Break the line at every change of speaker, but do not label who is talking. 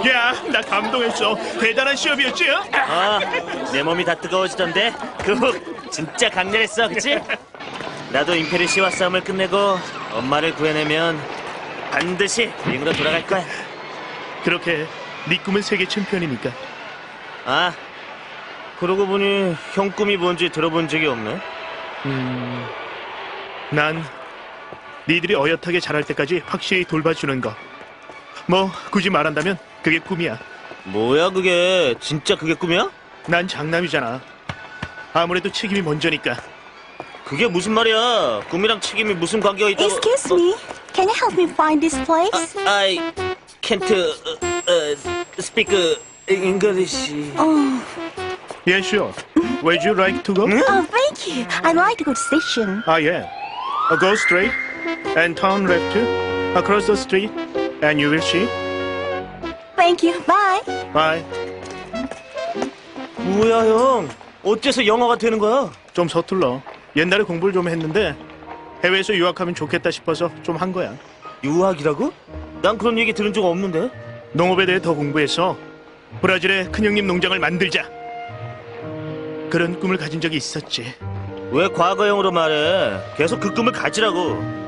야, 나 감동했어. 대단한 시합이었지?
아, 내 몸이 다 뜨거워지던데 그 훅 진짜 강렬했어, 그치? 나도 임페리 씨와 싸움을 끝내고 엄마를 구해내면 반드시 링으로 돌아갈 거야.
그렇게 네 꿈은 세계 챔피언이니까.
아, 그러고 보니 형 꿈이 뭔지 들어본 적이 없네.
난 니들이 어엿하게 자랄 때까지 확실히 돌봐주는 거. 뭐 굳이 말한다면 그게 꿈이야.
뭐야 그게? 진짜 그게 꿈이야?
난 장남이잖아. 아무래도 책임이 먼저니까.
그게 무슨 말이야? 꿈이랑 책임이 무슨 관계가 있다고?
Excuse me. Can you help me find this place?
I can't speak English.
Oh,
Yeah, sure. Where'd you like to go?
oh, thank you. I'd like to go to the station.
Ah, yeah. Go straight and turn left across the street and you will see.
Thank you. Bye.
Bye.
뭐야 형? 어째서 영어가 되는 거야?
좀 서툴러. 옛날에 공부를 좀 했는데 해외에서 유학하면 좋겠다 싶어서 좀 한 거야.
유학이라고? 난 그런 얘기 들은 적 없는데.
농업에 대해 더 공부해서 브라질의 큰형님 농장을 만들자. 그런 꿈을 가진 적이 있었지.
왜 과거형으로 말해? 계속 그 꿈을 가지라고.